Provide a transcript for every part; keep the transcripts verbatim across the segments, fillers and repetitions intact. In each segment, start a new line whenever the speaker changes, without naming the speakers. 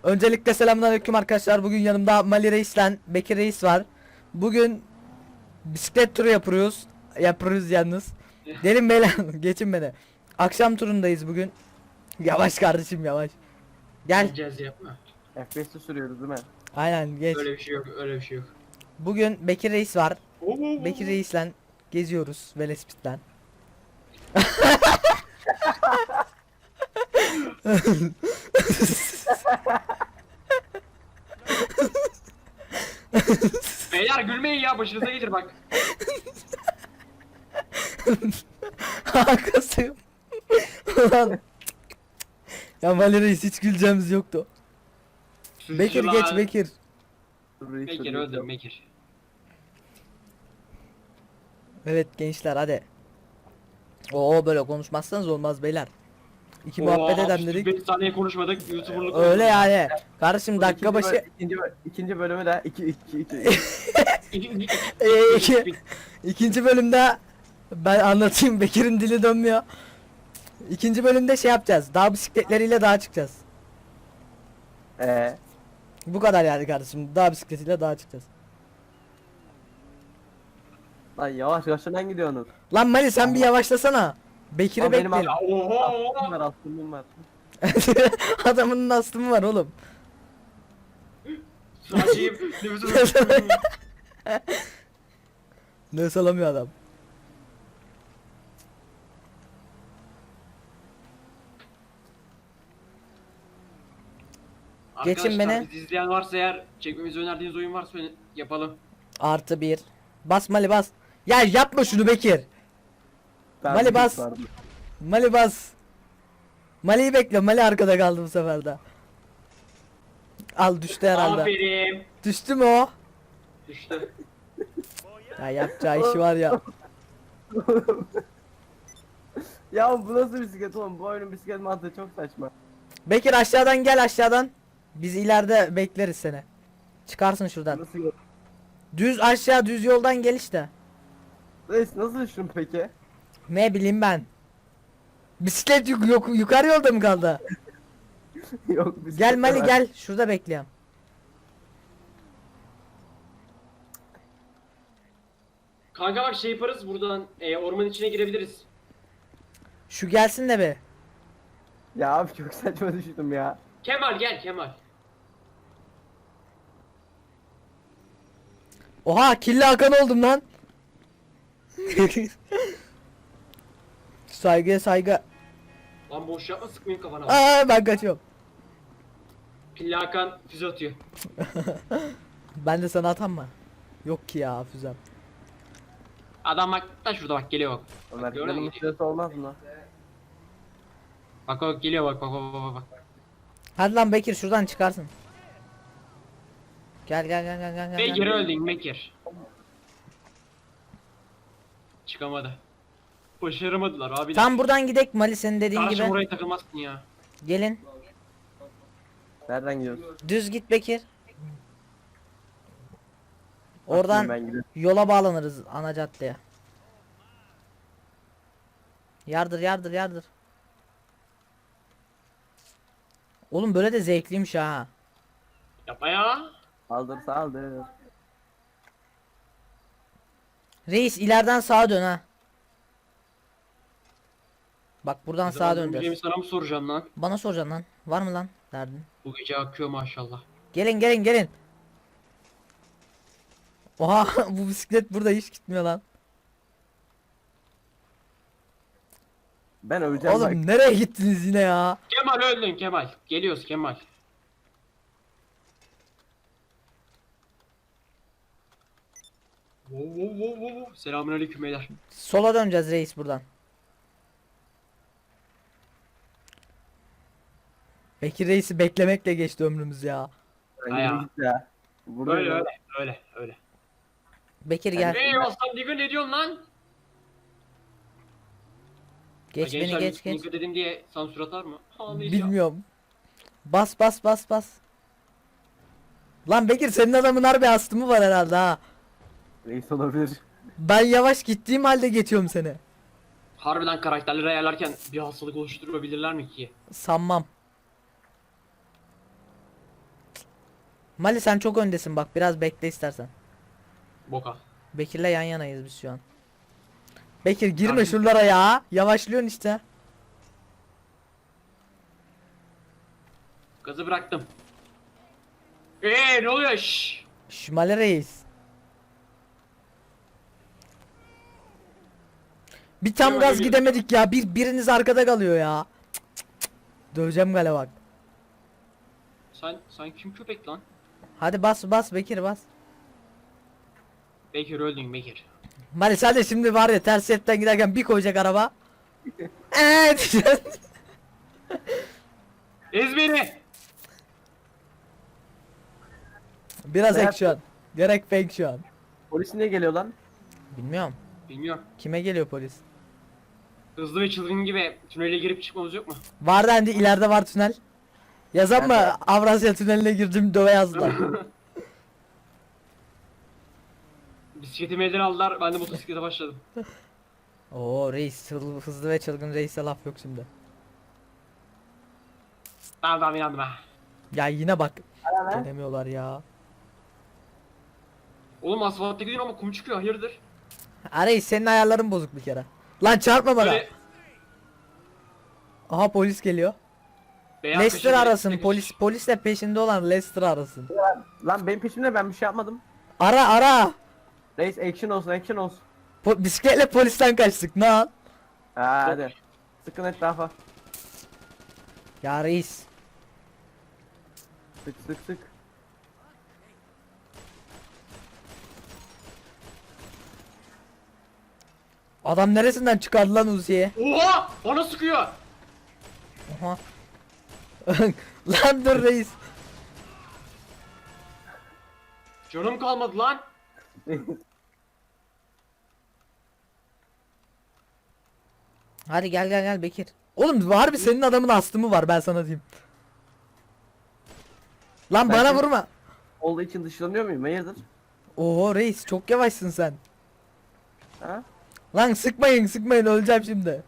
Öncelikle selamünaleyküm arkadaşlar. Bugün yanımda Mali Reis'le Bekir Reis var. Bugün bisiklet turu yapıyoruz. Yapıyoruz yalnız. Gelin beyler, geçin beni. Akşam turundayız bugün. Yavaş kardeşim, yavaş. Gel.
Gideceğiz yapma.
F P S'te sürüyoruz değil mi?
Aynen, geç.
Öyle bir şey yok, öyle bir şey yok.
Bugün Bekir Reis var.
Oo, oo, oo.
Bekir Reis'le geziyoruz Velespit'ten.
Beyler gülmeyin ya, başınıza gelir bak.
Arkasıyım. Ulan. Ya Mali Reis, hiç güleceğimiz yoktu. Bekir
Suçlular.
geç Bekir.
Sürüyoruz,
Bekir
sürüyoruz.
öldüm Bekir.
Evet gençler, hadi. Oo, böyle konuşmazsanız olmaz beyler. İki muhabbet eden dedik.
beş saniye konuşmadık, YouTuber'lık
Öyle
oldu.
yani. Kardeşim
Bu
dakika
ikinci
başı
böl- ikinci, böl- ikinci bölümü de iki iki iki.
Ee, iki, ikinci bölümde ben anlatayım, Bekir'in dili dönmüyor. İkinci bölümde şey yapacağız. Dağ bisikletleriyle dağa çıkacağız.
Eee
Bu kadar yani kardeşim. Dağ bisikletiyle dağa çıkacağız.
lan yavaş yavaştan gidiyorsunuz.
Lan Mali, sen bir yavaşlasana. Bekir'i
Ama benim
bekleyelim.
Ya oho
Aslım var
oho.
aslım var.
Adamın astımı var oğlum.
Saçayım, nefesim.
Ne salamıyor adam. Geçin beni.
Arkadaşlar, bizi izleyen varsa eğer, çekmemizi önerdiğiniz oyun varsa yapalım.
Artı bir. Bas Mali, bas. Ya yapma şunu Bekir.
Ben
Mali
bir
bas.
vardı.
Mali bas. Mali'yi bekle. Mali arkada kaldı bu sefer de. Al, düştü herhalde.
Aferin.
Düştü mü o?
Düştü.
Ya yapacağı işi var ya.
Ya bu nasıl bisiklet oğlum? Bu oyunun bisiklet mantığı çok saçma.
Bekir aşağıdan gel, aşağıdan. Biz ileride bekleriz seni. Çıkarsın şuradan.
Nasıl yok?
Düz aşağı, düz yoldan gel işte.
Reis nasıl düştün peki?
Ne bileyim ben. Bisiklet yuk yok, yukarı yolda mı kaldı?
Yok bisiklet
Gel Mali,
var.
gel. Şurada bekliyorum.
Kanka bak, şey yaparız buradan, e, ormanın içine girebiliriz.
Şu gelsin de be.
Ya abi çok saçma düştüm ya.
Kemal gel Kemal.
Oha, kirli Hakan oldum lan. Saygıya saygı.
Lan boş yapma, sıkmayın kafana.
Aa, ben kaçıyorum.
Pilli Hakan füze atıyor.
Ben de sana atam mı? Yok ki ya, füzem.
Adam bak da şurada, bak geliyor bak.
Ömer
Bak gördün mü?
planın süresi olmaz mı?
Bak bak geliyor, bak bak bak bak bak.
Hadi lan Bekir, şuradan çıkarsın. Gel gel gel gel gel. gel,
Ve
gel.
geri öldün Bekir. Çıkamadı. Başaramadılar abi.
Tam buradan gidek Mali, senin dediğin
Kardeşim
gibi.
oraya takılmazsın ya.
Gelin.
Nereden gidiyorsun?
Düz git Bekir.
Bakayım
Oradan
ben gidiyorum.
yola bağlanırız, ana caddeye. Yardır yardır yardır. Oğlum böyle de zevkliymiş ha.
Yapma ya.
Saldır saldır.
Reis ileriden sağa dön ha. Bak buradan
Ne
sağa
zaman
döneceğiz.
döneceğimi sana mı soracağım lan?
Bana soracaksın lan. Var mı lan derdin?
Bu gece akıyor maşallah.
Gelin gelin gelin. Oha, bu bisiklet burada hiç gitmiyor lan.
Ben öleceğim bak.
Oğlum nereye gittiniz yine ya?
Kemal öldün Kemal. Geliyoruz Kemal. Wow, wow, wow, wow, wow. Selamünaleyküm beyler.
Sola döneceğiz reis buradan. Bekir Reis'i beklemekle geçti ömrümüz ya.
Ben
Ayağa.
yürü git ya. Burada
Öyle
ya.
öyle öyle öyle.
Bekir gel.
Hey aslan Diggle, ne diyorsun lan?
Geç
Ha,
beni
gençler,
geç geç.
Diggle dedim diye sansür atar mı? Ağlayacağım.
Bilmiyorum. Bas bas bas bas. Lan Bekir, senin adamın harbi astımı var herhalde ha.
Reis olabilir.
Ben yavaş gittiğim halde geçiyorum seni.
Harbiden karakterleri ayarlarken bir hastalık oluşturabilirler mi ki?
Sanmam. Mali sen çok öndesin bak, biraz bekle istersen.
Boka.
Bekir'le yan yanayız biz şu an. Bekir girme
Kardeşim.
şuralara ya. Yavaşlıyorsun işte.
Gazı bıraktım. Eee ne oluyor? Şşş.
Şş, Mali reis. Bir tam
Yok,
gaz
yok.
gidemedik ya. Bir biriniz arkada kalıyor ya. Cık, cık, cık. Döveceğim gale bak.
Sen sen kim köpek lan?
Hadi bas bas Bekir bas.
Bekir öldün Bekir.
Mali sen de şimdi var ya, ters şeritten giderken bir koyacak araba. Evet.
Ez beni.
Biraz
Evet.
action. Gerek fake şu an.
Polis niye geliyor lan?
Bilmiyorum.
Bilmiyorum.
Kime geliyor polis?
Hızlı ve çılgın gibi tünele girip çıkmamız yok mu?
Var dendi, ileride var tünel. Yazan mı?
Nerede?
Avrasya tüneline girdim, döve yazdılar.
Bisikletimi elden aldılar. Ben de motosiklete başladım.
Oo reis, çıl- hızlı ve çılgın reise laf yok şimdi.
Tamam tamam inandım ha.
Ya yine bak.
Hala ne?
Denemiyorlar ya.
Oğlum asfaltta gidiyorsun ama kum çıkıyor. Hayırdır?
Ha reis, senin ayarların bozuk bir kere. Lan çarpma bana.
Böyle
Aha polis geliyor.
beyaz
Lester
kaşe-
arasın.
kaşe-
Polis polisle peşinde olan Lester arasın.
Lan benim peşimde, ben bir şey yapmadım.
Ara ara.
Reis action olsun, action olsun.
Po bisikletle polisten kaçtık. Ne al?
Ha, hadi. Sıkın etrafa.
Ya reis.
Sık sık sık.
Adam neresinden çıkardı lan Uzi'ye?
Oha! Bana sıkıyor.
Aha. Lan dur reis.
Canım kalmadı lan.
Hadi gel gel gel Bekir. Oğlum harbi senin adamın astımı var, ben sana diyeyim. Lan
Ben
bana
şimdi-
vurma.
Olduğu için dışlanıyor muyum? Hayırdır?
Oo reis çok yavaşsın sen.
Ha?
Lan sıkmayın sıkmayın, öleceğim şimdi.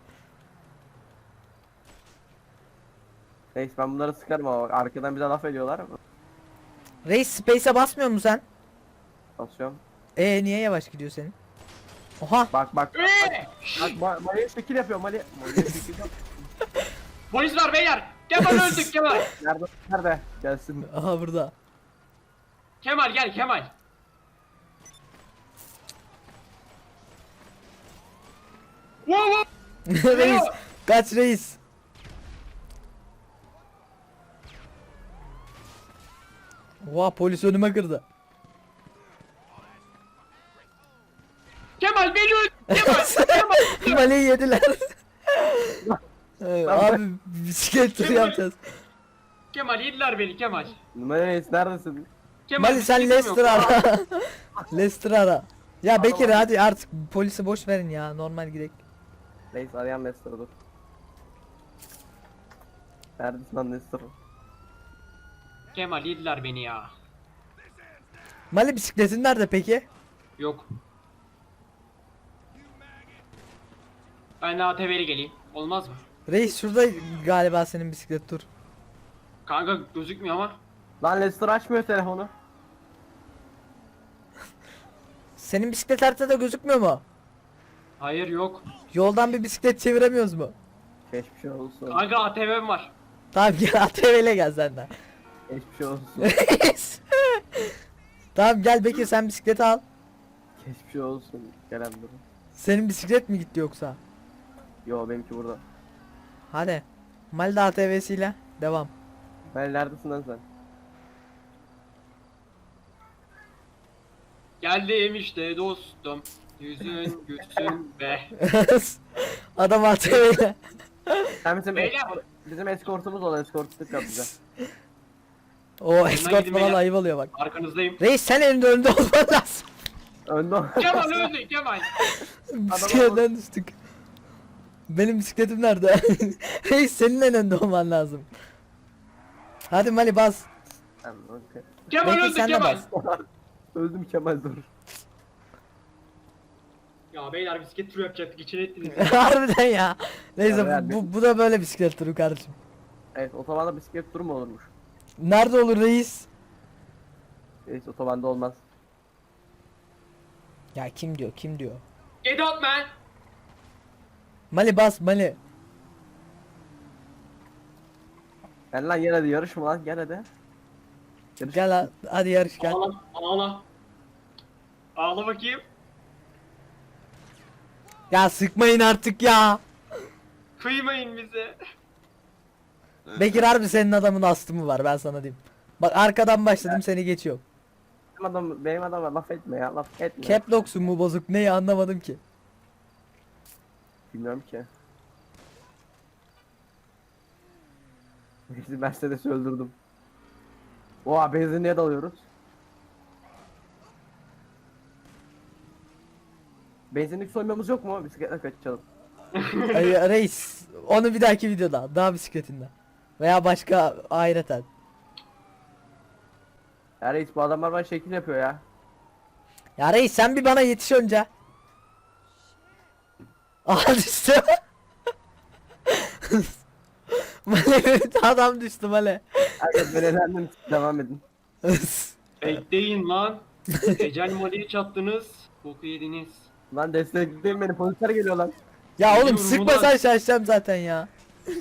Reis ben bunları sıkarım ama bak, arkadan bize laf ediyorlar.
Reis space'e basmıyor musun sen?
Basıyorum.
Ee niye yavaş gidiyor senin? Oha.
Bak bak.
Eee!
Bak Ma- Mali'ye şekil yapıyor Mali. Mali'ye şekil yap.
Polis var beyler. Kemal öldük Kemal.
Nerede? Nerede? Gelsin.
Aha burada.
Kemal gel Kemal. Wow wow.
Reis kaç reis. Oha polis önüme kırdı.
Kemal beni öldür. Kemal. Kemal.
Maleyi yediler. Ee, Abi bisiklet turu yapacağız.
Kemal yediler beni Kemal.
Mali Reis neredesin?
Kemal
Mali sen
bisikletim
Lester
yok.
ara. Lester ara. Ya Bekir hadi artık polisi boş verin ya, normal gidelim.
Reis arayan Lester dur. Neredesin lan Lester?
Kemal yediler beni ya.
Mali bisikletin nerede peki?
Yok. Ben de A T V'li geleyim. Olmaz mı?
Reis şurada galiba senin bisiklet, dur.
Kanka gözükmüyor ama.
Lan Lester açmıyor telefonu.
Senin bisiklet haritada gözükmüyor mu?
Hayır yok.
Yoldan bir bisiklet çeviremiyoruz mu?
Geçmiş olsun.
Kanka A T V'm var.
Tamam gel A T V ile gel sen de.
Geçmiş olsun.
Tamam gel Bekir, sen bisikleti al.
Geçmiş olsun. Gelen dur.
Senin bisiklet mi gitti yoksa?
Yo benimki burada.
Hadi. Malda A T V'siyle devam.
Ben neredesin lan sen?
Geldim işte dostum. Yüzün gülsün be.
Adam A T V ile.
Sen bizim
Beyler.
eskort, bizim eskortumuz ol, eskortluk yap bize.
O escort
gidin
falan
beyler.
ayıp oluyor bak.
Arkanızdayım.
Reis sen önünde önde olman lazım.
Önde ol.
Kemal öldü Kemal.
Bisikletten düştük. Benim bisikletim nerede? Reis senin en önde olman lazım. Hadi Mali bas.
Tamam, okey.
Kemal
Bekir
öldü
sen de
Kemal.
bas.
Öldüm Kemal dur.
Ya beyler bisiklet turu yapacaktık. İçine ettiniz.
Harbiden ya. Neyse
Ya,
bu, bu, bu da böyle bisiklet turu kardeşim.
Evet otobanda bisiklet turu mu olurmuş?
Nerede olur reis?
Reis otobanda olmaz.
Ya kim diyor kim diyor.
Get out man.
Mali bas Mali.
Gel lan gel hadi yarışma lan gel hadi. Yarış.
Gel ha- hadi yarış gel.
Ağla. Ağla. Ağla bakayım.
Ya sıkmayın artık ya.
Kıymayın bize.
Bekir harbi senin adamın astı mı var ben sana diyeyim. Bak arkadan başladım seni geçiyor.
Benim adam benim adama laf etme ya laf etme.
Cap lock'sun mu bozuk neyi anlamadım ki.
Bilmiyorum ki. Biz Mercedes'i öldürdüm. Oha benzinliğe dalıyoruz. Benzinlik soymamız yok mu? Bisikletle kaçalım.
Ay, reis onu bir dahaki videoda daha bisikletinde. Veya başka ayrıten.
Ya reis bu adamlar bana şekil yapıyor ya.
Ya reis sen bir bana yetiş önce. Aha düştü. Male adam düştü Male.
Herkes ben elendim devam edin.
Bekleyin lan. Ecel Mali'yi çattınız. Boku yediniz.
Lan destekleyin beni polisler geliyor lan.
Ya oğlum
Biliyorum
sıkmasan
ulan.
şaşacağım zaten ya.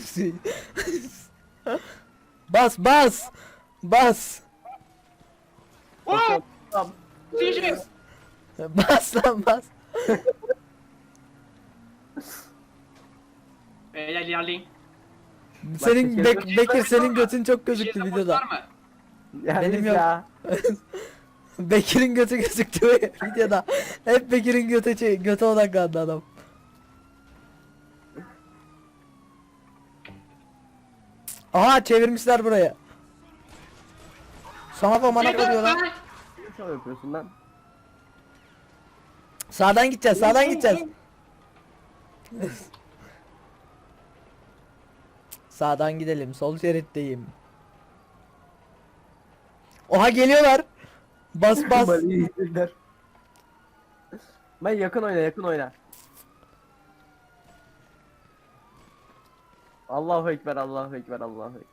Bas bas. Bas.
Oh!
Tamam.
C J.
Bas lan bas.
Beyler ilerleyin.
Senin
Başka
Bek-
şey
Bekir
yok.
senin götün çok
Bir
gözüktü
şey
videoda.
var mı?
Ya
Benim
reis
yok.
ya.
Bekir'in götü gözüktü videoda. Hep Bekir'in götü şey, göte odaklandı adam. Aha çevirmişler buraya. Sana da mana
Get out
koyuyor lan.
man.
Ne şov yapıyorsun lan?
Sağdan gideceğiz, sağdan gideceğiz. Sağdan gidelim, sol şeritteyim. Oha geliyorlar. Bas bas.
Mali'yi yiyecekler. Ben yakın oyna yakın oyna. Allahu ekber Allahu ekber Allahu ekber.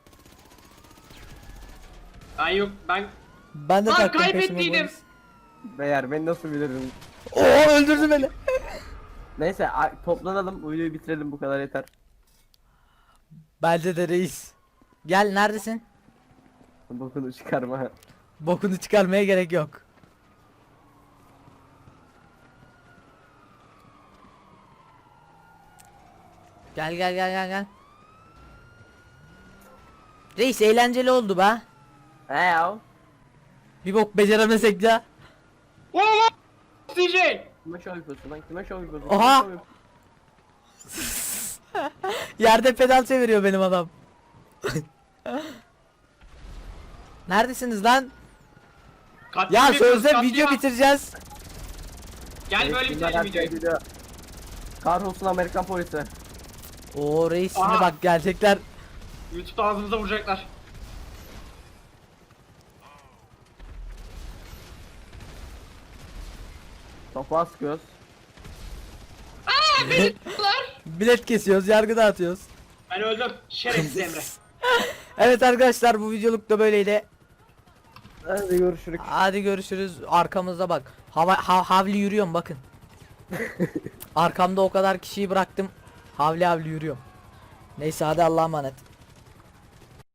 Ay yok ben
Ben de
Lan
taktım
kaybettiydim.
peşime polis.
Beyler beni nasıl bilirdin?
Oo öldürdü beni.
Neyse a- toplanalım videoyu bitirelim bu kadar yeter.
Bence de reis. Gel neredesin?
Bokunu çıkarma.
Bokunu çıkarmaya gerek yok. Gel gel gel gel gel. Reis eğlenceli oldu be.
He ya.
Bir bok beceremesek ya.
Oh! C J.
Kime şov yapıyorsun lan? Kime şov yapıyorsun?
Oha!
Kime şov yapıyorsun?
Yerde pedal çeviriyor benim adam. Neredesiniz lan?
Katliam
Ya
yapıyoruz,
sözde
katliam.
video bitireceğiz.
Gel böyle
Reis, bunlar
bitirelim
her şey
videoyu.
biliyor. Kahrolsun Amerikan polisi.
Oo reis şimdi
Aha.
bak gelecekler.
YouTube'da ağzımıza vuracaklar.
Topa sıkıyoruz.
Bilet kesiyoruz, yargı dağıtıyoruz.
Ben öldüm. Şerefsiz Emre.
Evet arkadaşlar bu videoluk da böyleydi.
Hadi görüşürüz.
Hadi görüşürüz. Arkamızda bak. Hava ha- havli yürüyorum bakın. Arkamda o kadar kişiyi bıraktım. Havli havli yürüyorum. Neyse hadi Allah'a emanet.